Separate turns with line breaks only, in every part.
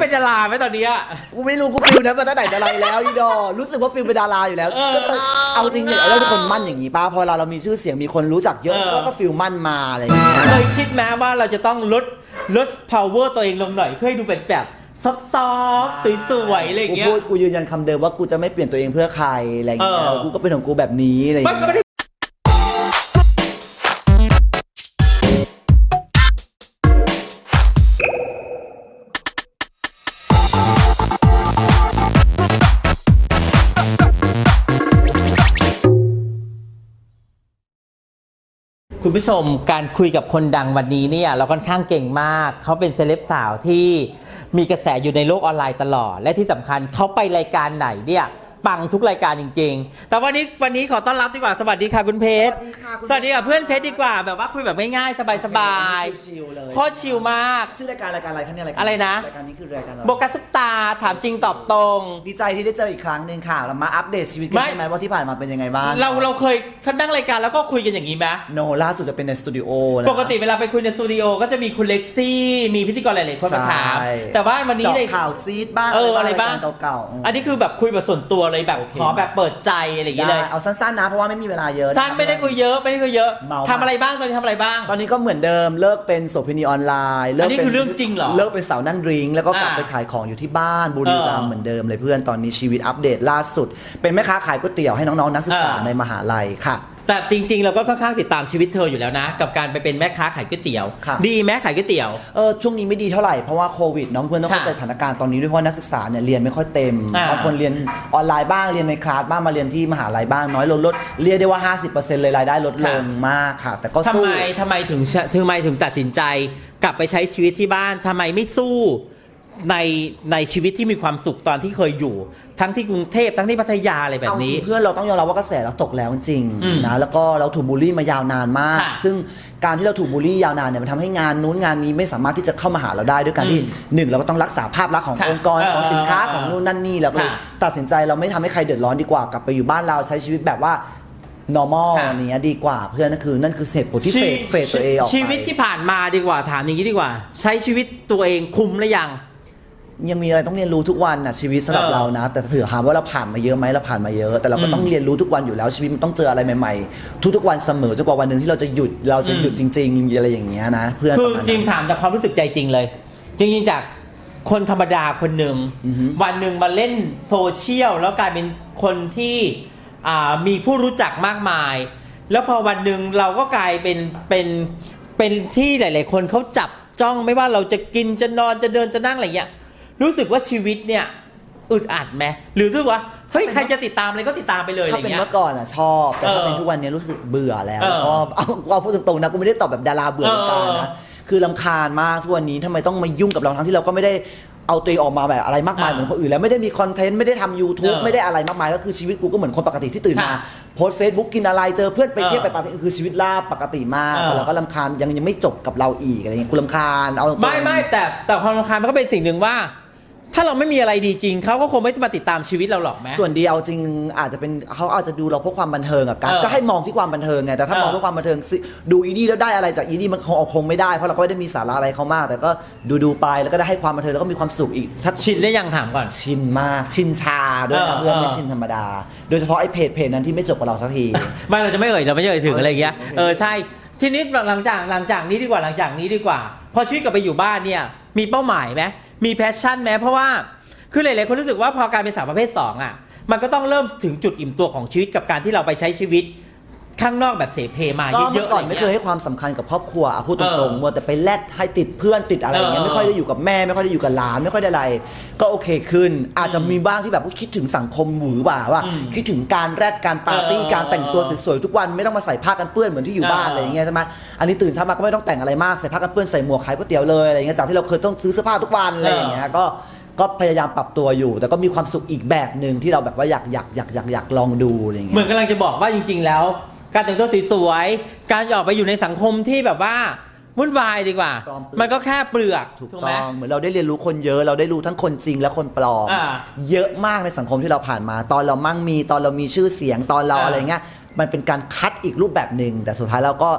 เป็นดาราไหมตอนนี้
กูไม่รู้กูฟิลนั้นมาตั้งแต่ไหนแต่ไรแล้วอีดอรู้สึกว่าฟิลเป็นดาราอยู่แล้วเอาจริงเนี่ยเราเป็นคนมั่นอย่างนี้ป้าพอเรามีชื่อเสียงมีคนรู้จักเยอะก็ฟิลมั่นมาอะไรอย่างเงี้ย
เคยคิดไหมว่าเราจะต้องลด power ตัวเองลงหน่อยเพื่อให้ดูเป็นแบบซอฟต์สวยๆอะไรอย่างเงี้ย
กูยืนยันคำเดิมว่ากูจะไม่เปลี่ยนตัวเองเพื่อใครอะไรอย่างเงี้ยกูก็เป็นของกูแบบนี้อะไรอย่างเงี้ย
คุณผู้ชมการคุยกับคนดังวันนี้เนี่ยเราค่อนข้างเก่งมากเขาเป็นเซเลบสาวที่มีกระแสอยู่ในโลกออนไลน์ตลอดและที่สำคัญเขาไปรายการไหนเนี่ยปังทุกรายการจริงๆแต่วันนี้ขอต้อนรับดีกว่าสวัสดีค่ะคุณเพชรสวัสดีค่ะเพื่อนเพชรดีกว่าแบบว่าคุยแบบง่ายๆสบายๆโคตรชิลมาก
ชื่อรายการอะไรคะเนี่ย
อะไรนะ
รายการนี้คือรายการอะไร
โบกัสซุปตาถามจริงตอบตรง
ดีใจที่ได้เจออีกครั้งหนึ่งค่ะเรามาอัปเดตชีวิตกันใช่ไหมว่าที่ผ่านมาเป็นยังไงบ้าง
เราเคยนั่งรายการแล้วก็คุยกันอย่างนี้ไหม
โนล่าสุดจะเป็นในสตูดิโอ
ปกติเวลาไปคุยในสตูดิโอก็จะมีคุณเล็กซี่มีพิธีกรหลายๆคนมาถามแต่ว่าวันนี้
เจาะข่าวซีดบ้าง
อะไรบ้าง
เก่า
ๆอันนี้คือแบบคุยแบบส่วนตัวเลยแบบขอแบบเปิดใจอะไรอย่างเงี้ยเลย
เอาสั้นๆนะเพราะว่าไม่มีเวลาเยอะ
สั้นไม่ได้คุยเยอะทำอะไรบ้างตอนนี้ทำอะไรบ้าง
ตอนนี้ก็เหมือนเดิมเลิกเป็นโสเภณีออนไลน์
อันนี้คือเรื่องจริงเหรอ
เลิกเป็นสาวนั่งดริงแล้วก็กลับไปขายของอยู่ที่บ้านบุรีรัมย์เหมือนเดิมเลยเพื่อนตอนนี้ชีวิตอัปเดตล่าสุดเป็นแม่ค้าขายก๋วยเตี๋ยวให้น้องๆนักศึกษาในมหาลัยค่ะ
แต่จริงๆเราก็ค่อนข้างติดตามชีวิตเธออยู่แล้วนะกับการไปเป็นแม่ค้าขายก๋วยเตี๋ยวดีไหมขายก๋วยเตี๋ยว
ช่วงนี้ไม่ดีเท่าไหร่เพราะว่าโควิดน้องเพื่อนต้องเข้าใจสถานการณ์ตอนนี้ด้วยเพราะนักศึกษาเนี่ยเรียนไม่ค่อยเต็มบางคนเรียนออนไลน์บ้างเรียนในคลาสบ้างมาเรียนที่มหาลัยบ้างน้อยลดเรียกได้ว่า 50% เลยรายได้ลดลงมากค่ะแต่ก็สู้
ทำไมถึงตัดสินใจกลับไปใช้ชีวิตที่บ้านทำไมไม่สู้ในชีวิตที่มีความสุขตอนที่เคยอยู่ทั้งที่กรุงเทพทั้งที่พัทยาอะไรแบบนี้
เพื่อนเราต้องยอมรับว่ากระแสเราตกแล้วจริงนะแล้วก็เราถูกบูลลี่มายาวนานมากซึ่งการที่เราถูกบูลลี่ยาวนานเนี่ยมันทำให้งานนู้นงานนี้ไม่สามารถที่จะเข้ามาหาเราได้ด้วยการที่หนึ่งเราก็ต้องรักษาภาพลักษณ์ขององค์กรของสินค้าของนู่นนั่นนี่แล้วก็ตัดสินใจเราไม่ทำให้ใครเดือดร้อนดีกว่ากลับไปอยู่บ้านเราใช้ชีวิตแบบว่า normal เนี้ยดีกว่าเพื่อนนั่นคือเหตุผลที่เฟดตัวเองออกไป
ชีวิตที่ผ่านมาดีกว่าถามอย่างนี้ดีกว่าใช้ชีวิตตัวเองคุ้มหรือยัง
มีอะไรต้องเรียนรู้ทุกวันนะชีวิตสำหรับเรานะแต่ถือถามว่าเราผ่านมาเยอะไหมเราผ่านมาเยอะแต่เราก็ต้องเรียนรู้ทุกวันอยู่แล้วชีวิตมันต้องเจออะไรใหม่ๆทุกวันเสมอจนกว่าวันหนึ่งที่เราจะหยุดจริงๆอะไรอย่างเงี้ยนะเพื่อน
คือจริงถามจากความรู้สึกใจจริงเลยจริงๆจากคนธรรมดาคนหนึ่งวันหนึ่งมาเล่นโซเชียลแล้วกลายเป็นคนที่มีผู้รู้จักมากมายแล้วพอวันหนึ่งเราก็กลายเป็นที่หลายๆคนเขาจับจ้องไม่ว่าเราจะกินจะนอนจะเดินจะนั่งอะไรเงี้ยรู้สึกว่าชีวิตเนี่ยอึดอัดไหมหรือรู้สึกว่าเฮ้ยใครจะติดตามอะไรก็ติดตามไปเลยอะไรเงี้ย
ถ้าเป็นเมื่อก่อนชอบแต่ถ้าเป็นทุกวันนี้รู้สึกเบื่อแล้วก็เอาพูดตรงๆนะกูไม่ได้ตอบแบบดาราเบื่อเหมือนกันนะคือรำคาญมากทุกวันนี้ทำไมต้องมายุ่งกับเราทั้งที่เราก็ไม่ได้เอาตัวเองออกมาแบบอะไรมากมายเหมือนคนอื่นแล้วไม่ได้มีคอนเทนต์ไม่ได้ทำ YouTube ไม่ได้อะไรมากมายก็คือชีวิตกูก็เหมือนคนปกติที่ตื่นมาโพสเฟซบุ๊กกินอะไรเจอเพื่อนไปเที่ยวไปปาร์ตี้คือชีวิตราบปกติมากแต่เราก็รำคาญยังไม่จบกับเราอีกอะไรเงี้ยกูรำคาญเอา
ไม่แต่ความรำคาญมันก็เป็นสิ่งหนึ่งว่าถ้าเราไม่มีอะไรดีจริงเขาก็คงไม่มาติดตามชีวิตเราหรอกไหม
ส่วนดีเอาจริงอาจจะเป็นเขาอาจจะดูเราเพราะความบันเทิงอะกันก็ให้มองที่ความบันเทิงไงแต่ถ้ามองที่ความบันเทิงดูอีนี่แล้วได้อะไรจากอีนี่มันคงไม่ได้เพราะเราก็ไม่ได้มีสาระอะไรเขามากแต่ก็ดูไปแล้วก็ได้ให้ความบันเทิงแล้วก็มีความสุขอีก
ชินได้ยังถามก่อน
ชินมากชินชาด้วยนะเพื่อนไม่ชินธรรมดาโดยเฉพาะไอ้เพจนั้นที่ไม่จบกับเราสักที
ไม่เราจะไม่เราไม่เอ่ยถึงอะไรอย่างเงี้ยใช่ทีนี้หลังจากนี้ดีกว่าพอชีวิตกลับไปอยู่บ้านเนี่ยมีเป้าหมายไหมมีแพชชั่นไหมเพราะว่าคือหลายๆคนรู้สึกว่าพอการเป็นสาวประเภท2มันก็ต้องเริ่มถึงจุดอิ่มตัวของชีวิตกับการที่เราไปใช้ชีวิตข้างนอกแบบเสเพมาเยอะๆ
ก่อนไม่เคยให้ความสำคัญกับครอบครัวพูดตรงๆมัวแต่ไปแลดให้ติดเพื่อนติดอะไรอย่างเงี้ยไม่ค่อยได้อยู่กับแม่ไม่ค่อยได้อยู่กับหลานไม่ค่อยได้อะไรก็โอเคขึ้นอาจจะมีบ้างที่แบบคิดถึงสังคมหวือหวาว่าคิดถึงการแรดการปาร์ตี้การแต่งตัวสวยๆทุกวันไม่ต้องมาใส่ผ้ากันเปื้อนเหมือนที่อยู่บ้านอะไรอย่างเงี้ยใช่ไหมอันนี้ตื่นเช้ามาก็ไม่ต้องแต่งอะไรมากใส่ผ้ากันเปื้อนใส่หมวกขายก๋วยเตี๋ยวเลยอะไรเงี้ยจากที่เราเคยต้องซื้อเสื้อผ้าทุกวันอะไรอย่างเงี้ยก็พยายามปรับตัวอยู่แต่ก็มีความสุขอีกแบบหนึ่งที่เราแบบว่าอยากลองดูอะไรเงี้ย
เหมือนกำลังจะบอกว่าจริงๆแล้วการแต่งตัวสวยๆการออกไปอยู่ในสังคมที่แบบว่าวุ่นวายดีกว่ามันก็แค่เปลือก
ถูกต้องเหมือนเราได้เรียนรู้คนเยอะเราได้รู้ทั้งคนจริงและคนปลอมเยอะมากในสังคมที่เราผ่านมาตอนเรามั่งมีตอนเรามีชื่อเสียงตอนเราอะไรเงี้ยมันเป็นการคัดอีกรูปแบบหนึ่งแต่สุดท้ายเราก็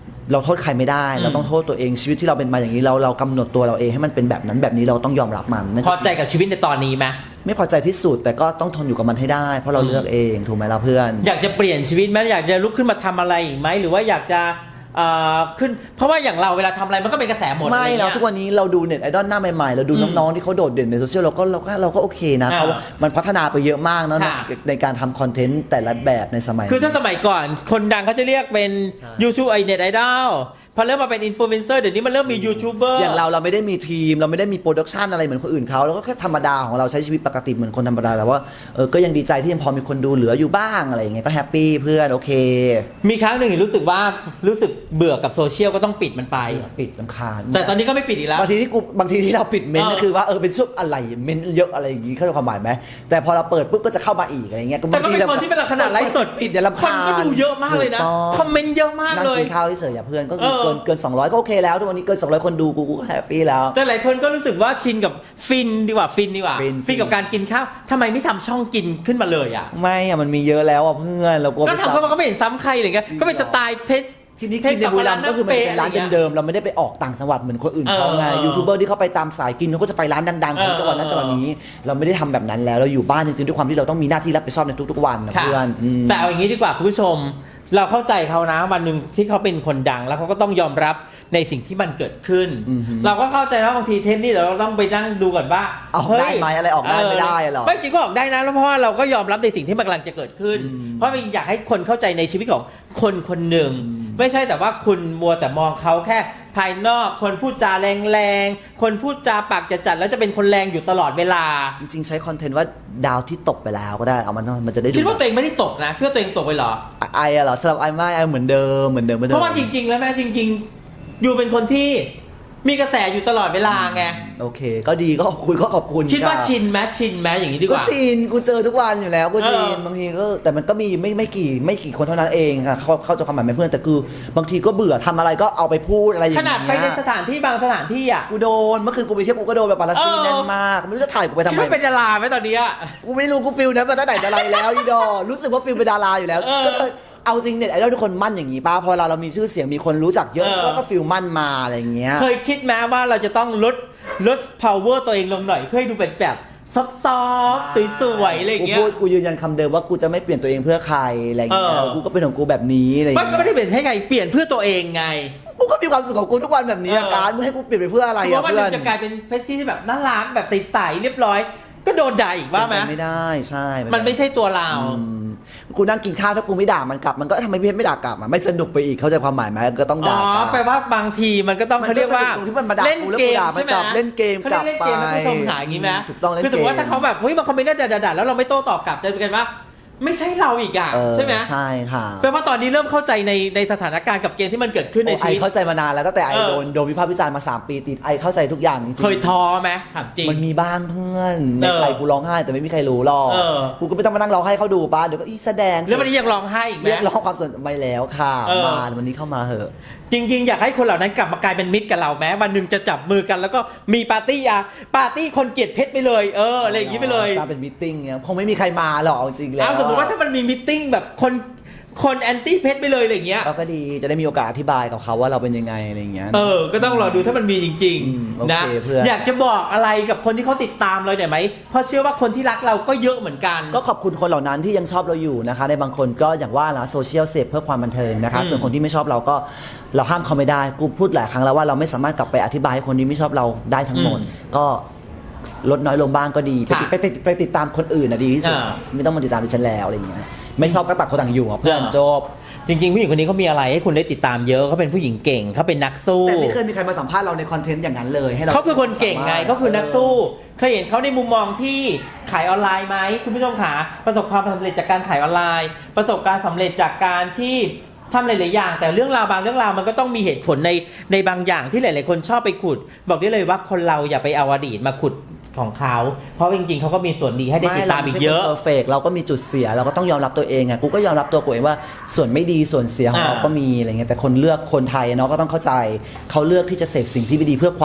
เราโทษใครไม่ได้เราต้องโทษตัวเองชีวิตที่เราเป็นมาอย่างนี้เรากำหนดตัวเราเองให้มันเป็นแบบนั้นแบบนี้เราต้องยอมรับมันนั่น
พอใจกับชีวิตในตอนนี้ไหม
ไม่พอใจที่สุดแต่ก็ต้องทนอยู่กับมันให้ได้เพราะเราเลือกเองถูกไหมล่ะเพื่อน
อยากจะเปลี่ยนชีวิตไหมอยากจะลุกขึ้นมาทำอะไรอีกไหมหรือว่าอยากจะขึ้นเพราะว่าอย่างเราเวลาทำอะไรมันก็เป็นกระแสหมด
ไม่
อะไร
เรา
เงี้ย
ทุกวันนี้เราดูเน็ตไอดอลหน้าใหม่ๆเราดูน้องๆที่เขาโดดเด่นในโซเชียลเราก็โอเคนะเขามันพัฒนาไปเยอะมากนะในการทำคอนเทนต์แต่ละแบบในสมัย
คือถ้าสมัยก่อนคนดังเขาจะเรียกเป็น YouTube ไอเน็ตไอดอลพอเริ่มมาเป็นอินฟลูเอนเซอร์เดี๋ยวนี้มันเริ่มมียูทูบเบอร์
อย่างเราไม่ได้มีทีมเราไม่ได้มีโปรดักชันอะไรเหมือนคนอื่นเขาเราก็แค่ธรรมดาของเราใช้ชีวิตปกติเหมือนคนธรรมดาแต่ว่าก็ยังดีใจที่ยังพอมีคนดูเหลืออยู่บ้างอะไรอย่างเงี้ยก็แฮปปี้เพื่อนโอเค
มีครั้งหนึ่งรู้สึกเบื่อกับโซเชียลก็ต้องปิดมันไป
ปิดรำคาญ
แต่ตอนนี้ก็ไม่ปิดอีกแล้ว
บางทีที่เราปิดเมนต์ก็คือว่าเป็นช่วงอะไรเมนต์เยอะอะไรอย่างงี้เข้าใจความหมายไหมแต่พอเราเปิดปุ๊บก็จะเข้ามาอีกอะไรเงี้ย
แต่ก็เป็นคนที่เป็นขนาดไลฟ์สด
ปิดเดี๋ยวรำ
คน
คาญ
ก็ดูเยอะมากเลยนะคอมเมนต์เยอะมาก
นั่ง
เลย
กินข้าวเฉยๆอย่าเพื่อนก็เกิน200ก็โอเคแล้วทุกวันนี้เกิน200คนดูกูก็แฮปปี้แล้ว
แต่หลายคนก็รู้สึกว่าชินกับฟินดีกว่าฟินกับการกินข้าวทำไมไม่ทำช่องกินขึ้นมาเลยอ่ะ
ไม่อะมันมีเยอะแล้วอ่ะเพื่อนเรากลัว
ก็ทำเพราะมันก็ไม่เห็นซ้ำใครอะไรเงี้ยก็เป็นสไตล์เพชร
ทีนี้กินในบุรีรัมย์ก็คือมันเป็นร้านเดิมๆเราไม่ได้ไปออกต่างจังหวัดเหมือนคนอื่นเขาไงยูทูบเบอร์ที่เขาไปตามสายกินเขาก็จะไปร้านดังๆของจังหวัดนั้นจังหวัดนี้เราไม่ได้ทำแบบนั้นแล้วเราอยู่บ้านจริงๆด้วยความที่เราต้องมีหน้าที่รับผิดชอบในทุกๆวันนะเพื่อน
แต่เอาอย่างนี้ดีกว่าคุณผู้ชมเราเข้าใจเขานะวันหนึ่งที่เขาเป็นคนดังแล้วเขาก็ต้องยอมรับในสิ่งที่มันเกิดขึ้น เราก็เข้าใจว่าบางทีเทปนี้เราต้องไปนั่งดูก่อนว่า
ออกได้ไหมอะไรออกได้ไม่ได้หรอ
ไม่จริงก็ออกได้นะเพราะว่าเราก็ยอมรับในสิ่งที่มันกำลังจะเกิดขึ้นเพราะอยากให้คนเข้าใจในชีวิตของคนคนหนึ่งไม่ใช่แต่ว่าคุณมัวแต่มองเขาแค่ภายนอกคนพูดจาแรงๆคนพูดจาปากจัดแล้วจะเป็นคนแรงอยู่ตลอดเวลา
จริงๆใช้คอนเทนต์ว่าดาวที่ตกไปแล้วก็ได้เอามันจะได้ดู
คิดว่าตัวเองไม่ได้ตกนะคิดว่าตัวเองตกไปเหรอ
เหรอสำหรับไม่เหมือนเดิม
เพราะว่าจริงๆแล้วแม่จริงๆอยู่เป็นคนที่มีกระแสอยู่ตลอดเวลาไง
โอเคก็ดีก็ขอบคุณ
คิดว่าชินไหมอย่างนี้ดีกว่า
ก็ชินกูเจอทุกวันอยู่แล้วกูชินบางทีก็แต่มันก็มีไม่กี่คนเท่านั้นเองค่ะเข้าใจความหมายเพื่อนแต่คือบางทีก็เบื่อทำอะไรก็เอาไปพูดอะไรอย่างเงี้ย
ขนาดไปในสถานที่บางสถานที่อ่ะ
กูโดนเมื่อคืนกูไปเที่ยวกูก็โดนแบบปาราซีแน่นมากไม่รู้จะถ่ายกูไปทำไม
คิดว่าเป็นดาราไหมตอนนี้
กูไม่รู้กูฟิลนั้นมาตั้งแต่ไหนแล้วอีดอรู้สึกว่าฟิลเป็นดาราอยู่แล้วก็เลยเอาจริงเน็ตไอดอลทุกคนมั่นอย่างนี้ป้าพอเรามีชื่อเสียงมีคนรู้จักเยอะก็ฟิลมั่นมาอะไรอย่างเงี้ย
เคยคิดไหมว่าเราจะต้องลด power ตัวเองลงหน่อยเพื่อให้ดูเป็นแบบซอฟต์สวยๆอะไรอย่างเงี้ย
กูยืนยันคำเดิมว่ากูจะไม่เปลี่ยนตัวเองเพื่อใครอะไรอย่างเงี้ยกูก็เป็นของกูแบบนี้อะไรอย่างเงี้ย
ก็ไม่ได้เปลี่ยนให้ใครเปลี่ยนเพื่อตัวเองไง
กูก็มีความสุขของกูทุกวันแบบนี้การมึงให้กูเปลี่ยนไปเพื่ออะไร
อ่ะเพื่อนจะกลายเป็นเพชซี่ที่แบบน่ารักแบบใสๆเรียบร้อยก็โดนด่าอีกว่าไหม
ไม่ได้ใช่
มันไม่ใช่ตัวเรา
กูนั่งกินข้าวถ้ากูไม่ด่ามันกลับมันก็ทำไมพี่ไม่ด่ากลับไม่สนุกไปอีกเข้าใจความหมายไหมก็ต้องด่ากลับ
แปลว่าบางทีมันก็ต้องเขาเรียกว่าเล่นเกมใช่ไหม
เล่นเกมกลับไป
ผู้ชมหาอย่างนี้ไหม
ถูกต้องเล่นเกม
คือถือว่าถ้าเขาแบบเฮ้ยมาคอมเมนต์ด่าแล้วเราไม่โต้ตอบกลับจะเป็นกันว่าไม่ใช่เราอีกอ่ะใช่ไหม
ใช่ค่ะ
แปลว่าตอนนี้เริ่มเข้าใจในสถานการณ์กับเกมที่มันเกิดขึ้นในชีวิต
เข้าใจมานานแล้วตั้งแต่ไอโดนวิพากษ์วิจารณ์มา3 ปีติดไอเข้าใจทุกอย่างจริง
เคยท้อไหมถามจริง
มันมีบ้างเพื่อนในใจกูร้องไห้แต่ไม่มีใครรู้หรอกกูก็ไม่ต้องมานั่งร้องไห้เขาดูป้าเดี๋ยวก็แสดง
แล้ววันนี้ยังร้องไห้อีกไหม
เรียกร้องความสนใจแล้วค่ะมาวันนี้เข้ามาเหอะ
จริงๆอยากให้คนเหล่านั้นกลับมากลายเป็นมิตรกับเราแม้วันหนึ่งจะจับมือกันแล้วก็มีปาร์ตี้คนเกลียดเพชรไปเลยอะไรอย่างนี้ไปเลย
เป็นมิทติ้งเนี่ยคงไม่มีใครมาหรอกจริงแล้ว
สมมติว่าถ้ามันมีมิทติ้งแบบคนแอนตี้เพชรไปเลยอะไรอย่างเงี้ย
ก็ดีจะได้มีโอกาสอธิบายกับเขาว่าเราเป็นยังไงอะไรอย่างเงี้ย
ก็ต้องรอดูถ้ามันมีจริงๆนะอยากจะบอกอะไรกับคนที่เขาติดตามเราหน่อยไหมเพราะเชื่อว่าคนที่รักเราก็เยอะเหมือนกัน
ก็ขอบคุณคนเหล่านั้นที่ยังชอบเราอยู่นะคะในบางคนก็อย่างว่านะโซเชียลเสพเพื่อความบันเทิงนะคะส่วนคนที่ไม่ชอบเราก็เราห้ามเขาไม่ได้กูพูดหลายครั้งแล้วว่าเราไม่สามารถกลับไปอธิบายให้คนที่ไม่ชอบเราได้ทั้งหมดก็ลดน้อยลงบ้างก็ดีไปติดตามคนอื่นนะดีที่สุดไม่ต้องมาติดตามดิฉันแล้วอะไรอย่างเงี้ยไม่ชอบก็ตัดคนต่างอยู่เพื่อนจบ
จริงๆผู้หญิงคนนี้เขามีอะไรให้คุณได้ติดตามเยอะเขาเป็นผู้หญิงเก่งเขาเป็นนักสู้
แต่ไม่เคยมีใครมาสัมภาษณ์เราในคอนเทนต์อย่างนั้นเลยให้เรา
เขาคือคนเก่งไงเขาคือนักสู้เคยเห็นเขาในมุมมองที่ขายออนไลน์ไหมคุณผู้ชมขาประสบความสำเร็จจากการขายออนไลน์ประสบการณ์สำเร็จจากการที่ทำหลายๆอย่างแต่เรื่องราวบางเรื่องราวมันก็ต้องมีเหตุผลในบางอย่างที่หลายๆคนชอบไปขุดบอกได้เลยว่าคนเราอย่าไปเอาอดีตมาขุดของเขาเพราะจริงๆเขาก็มีส่วนดีให้ได้ติดตามอีกเยอะ
เพอร์เฟกต์เราก็มีจุดเสียเราก็ต้องยอมรับตัวเองไงกูก็ยอมรับตัวกูเองว่าส่วนไม่ดีส่วนเสียของเราก็มีอะไรเงี้ยแต่คนเลือกคนไทยเนาะก็ต้องเข้าใจเขาเลือกที่จะเสพสิ่งที่ไม่ดีเพื่อความ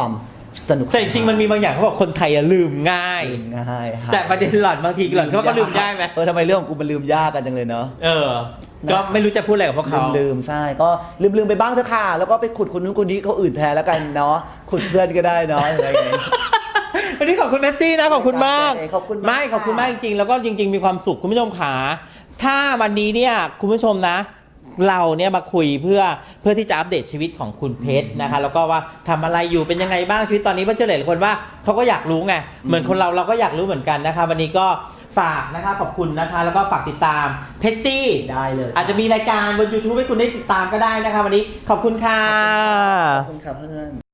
สนุก
แต่จริงๆมันมีบางอย่างเขาบอกคนไทยอะลืมง่าย
ลืมง่าย
แต่ประเด็นหล่อนบางทีหล่อนเขาก็ลืมได้ไหม
ทำไมเรื่องของกูมันลืมยากกันจังเลยเนาะ
ก็ไม่รู้จะพูดอะไรกับพวกเขา
ลืมใช่ก็ลืมไปบ้างเถอะค่ะแล้วก็ไปขุดคนนู้นคนนี้เขาอื่นแทนแล้วกันเนาะขุดเพื่อนก็ได้เนาะอะไรอย่างเงี้ย
วันนี้ขอบคุณเมสซี่นะขอบคุณมาก
ขอบคุณมาก
ไม่ขอบคุณมากจริงๆแล้วก็จริง ๆ มีความสุขคุณผู้ชมขาถ้าวันนี้เนี่ยคุณผู้ชมนะ เราเนี่ยมาคุยเพื่อที่จะอัปเดตชีวิตของคุณเพชรนะคะแล้วก็ว่าทำอะไรอยู่เป็นยังไงบ้างชีวิตตอนนี้เพราะเชื่อหลายคนว่าเขาก็อยากรู้ไงเหมือนคนเราก็อยากรู้เหมือนกันนะคะวันนี้ก็ฝากนะคะขอบคุณนะคะแล้วก็ฝากติดตามเพชรซี่
ได้เลย
อาจจะมีรายการบน YouTube ให้คุณได้ติดตามก็ได้นะคะวันนี้ขอบคุณค่ะ
ขอบคุณครับเพื่อน